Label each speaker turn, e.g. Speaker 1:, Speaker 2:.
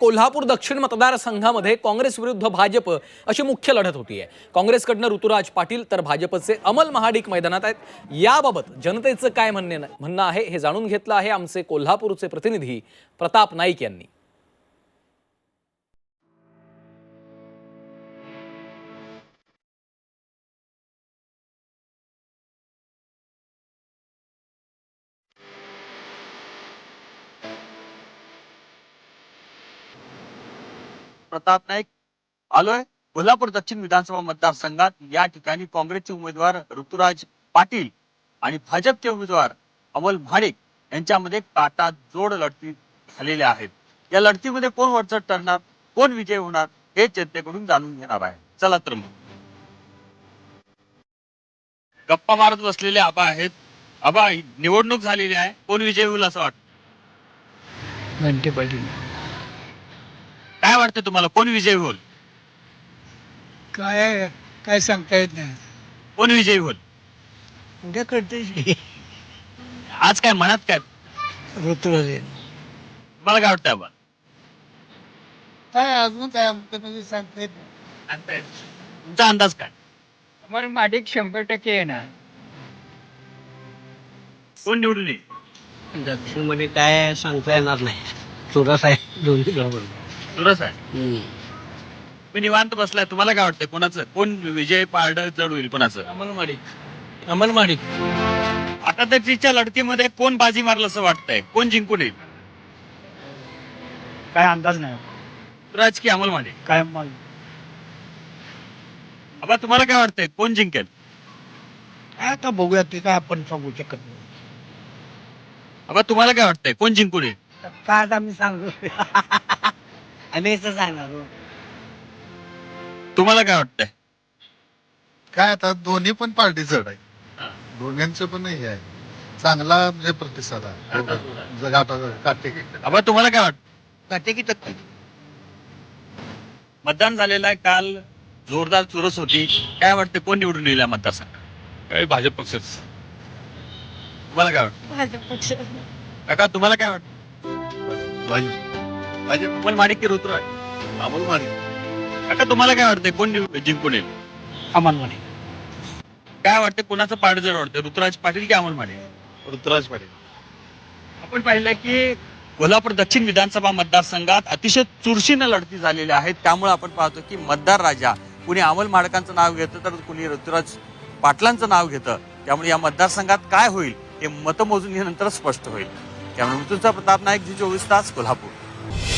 Speaker 1: कोल्हापूर दक्षिण मतदारसंघामध्ये काँग्रेस विरुद्ध भाजप अशी मुख्य लढत होतीये। काँग्रेसकडनं ऋतुराज पाटील तर भाजपचे अमल महाडिक मैदानात आहेत। याबाबत जनतेचं काय म्हणणं आहे हे जाणून घेतलं आहे आमचे कोल्हापूरचे प्रतिनिधी प्रताप नाईक यांनी।
Speaker 2: प्रताप नाईक आलोय कोल्हापूर दक्षिण विधानसभा मतदारसंघात। या ठिकाणी काँग्रेसचे उमेदवार ऋतुराज पाटील आणि भाजपचे उमेदवार अमल महाडिक यांच्यामध्ये काटा जोड लढती झालेल्या आहेत। या लढतीमध्ये कोण वरचढ ठरणार, कोण विजय होणार हे जनतेकडून जाणून घेणार आहे। चला तर मग गप्पा मारत बसलेले आबा आहेत। आबा, निवडणूक झालेली आहे, कोण विजय होईल असं वाटतं?
Speaker 3: घंटे पाटील।
Speaker 2: काय वाटतं तुम्हाला, कोण विजय होईल?
Speaker 3: काय सांगता येत नाही,
Speaker 2: कोण विजय होईल?
Speaker 3: उद्या कळते।
Speaker 2: आज काय मनात काय,
Speaker 3: ऋतुराज
Speaker 2: मला काय वाटतं आबा?
Speaker 3: काय अजून काय म्हणजे सांगता येत नाही।
Speaker 2: तुमचा अंदाज काय?
Speaker 3: मला माडिक 100% येणार।
Speaker 2: कोण निवडून येईल?
Speaker 4: दक्षिण मध्ये काय सांगता येणार नाही, चुरस आहे दोन्ही बरोबर।
Speaker 2: सुरस आहे। मी निवांत बसलाय, तुम्हाला काय वाटतंय, कोणाचं कोण विजय पारड जड होईल कोणाचं?
Speaker 4: अमल महाडिक।
Speaker 2: आता त्याच्या लढतीमध्ये कोण बाजी मारलं असं वाटतंय, कोण जिंकून येईल?
Speaker 3: काय अंदाज नाही,
Speaker 2: ऋतुराज की अमल महाडिक?
Speaker 3: काय
Speaker 2: आबा, तुम्हाला काय वाटतंय, कोण जिंकेल?
Speaker 3: आता बघूया, ते काय आपण सांगू शकत नाही।
Speaker 2: आबा, तुम्हाला काय वाटतंय, कोण जिंकून येईल?
Speaker 3: काय आता मी सांगू आम्ही असं सांगणार।
Speaker 2: तुम्हाला काय वाटतंय?
Speaker 5: काय आता दोन्ही पण पार्टी जड आहे, दोघांचं पण हे आहे, चांगला म्हणजे प्रतिसाद आहे काटे।
Speaker 2: आबा, तुम्हाला काय वाटतं?
Speaker 3: काटे की टक्के
Speaker 2: मतदान झालेलं आहे, काल जोरदार चुरस होती, काय वाटतं कोण निवडून येईल या मतदारसंघात?
Speaker 6: काय भाजप पक्षच।
Speaker 2: तुम्हाला काय वाटतं?
Speaker 7: भाजप पक्ष।
Speaker 2: काका, तुम्हाला काय वाटतं? अमल महाडिक की ऋतुराज?
Speaker 5: अमल महाडिक।
Speaker 2: काका, तुम्हाला काय वाटतंय, कोण जिंकून येईल?
Speaker 3: अमल महाडिक।
Speaker 2: काय वाटतं, कोणाचं पारड जड वाटतं, ऋतुराज पाटील की अमल महाडिक?
Speaker 5: ऋतुराज पाटील।
Speaker 2: आपण पाहिलं की कोल्हापूर दक्षिण विधानसभा मतदारसंघात अतिशय चुरशीनं लढती झालेल्या आहेत। त्यामुळे आपण पाहतो की मतदार राजा कुणी अमल महाडिकांचं नाव घेतं तर कुणी ऋतुराज पाटलांचं नाव घेतं। त्यामुळे या मतदारसंघात काय होईल हे मतमोजणीनंतर स्पष्ट होईल। त्यामुळे मृत्यूंचा प्रताप नाईक, जी 24 तास, कोल्हापूर।